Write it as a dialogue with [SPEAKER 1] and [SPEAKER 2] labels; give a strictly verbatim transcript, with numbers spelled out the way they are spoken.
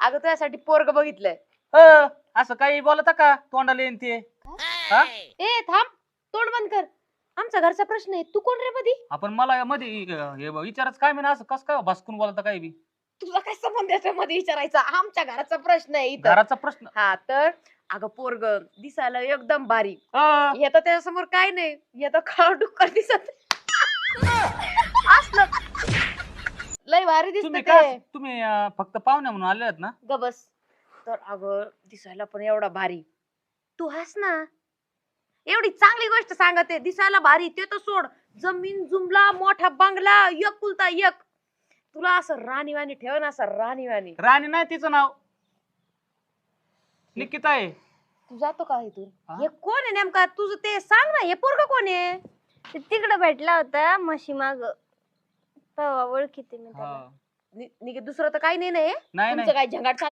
[SPEAKER 1] अगं तुझ्यासाठी पोरग बघितलंय.
[SPEAKER 2] अ, असं काही बोलता का तोंडाला येईन ते? हा?
[SPEAKER 1] ए थांब, तोंड बंद कर. आमच्या घरचा प्रश्न आहे. तू कोण रे मधी?
[SPEAKER 2] आपण मला मध्ये हे विचारच काय मी असं कस काय भसकून बोलता काय बी?
[SPEAKER 1] तुला काय संबंध याच्या मध्ये विचारायचा? आमच्या घराचा प्रश्न आहे इथं.
[SPEAKER 2] घराचा प्रश्न.
[SPEAKER 1] हा तर अगं पोरग दिसायला एकदम भारी.
[SPEAKER 2] अ,
[SPEAKER 1] येतं त्याच्यासमोर काय नाही, येतं काळ डुक्कर दिसत असलं लय भारी दिसत
[SPEAKER 2] तुम्ही
[SPEAKER 1] ते.
[SPEAKER 2] काय तुम्ही अं, फक्त पाहुण्या म्हणून आले आहेत ना?
[SPEAKER 1] गबस. तर अगं दिसायला पण एवढा भारी. तू हस ना. एवढी चांगली गोष्ट सांगते, दिसायला भारी ते तर सोड. जमीन जुमला मोठा बंगला एक कुलता एक. तुला असं राणीवाणी ठेव ना, असं राणीवाणी.
[SPEAKER 2] राणी नाही तिचं नाव, निकिता आहे.
[SPEAKER 1] तू जातो का इथून?
[SPEAKER 2] हा?
[SPEAKER 1] हे कोण आहे नेमका? तुझं ते सांग ना, हे पोरग कोण आहे?
[SPEAKER 3] ते तिकडे भेटला होता म्हशी माग, तेव्हा ओळखीते मी त्याला.
[SPEAKER 2] हा.
[SPEAKER 1] नि- निघे दुसरं तर काही नाही ना हे?
[SPEAKER 2] नाही
[SPEAKER 1] तुमचं
[SPEAKER 2] नाही
[SPEAKER 1] काय झंगाट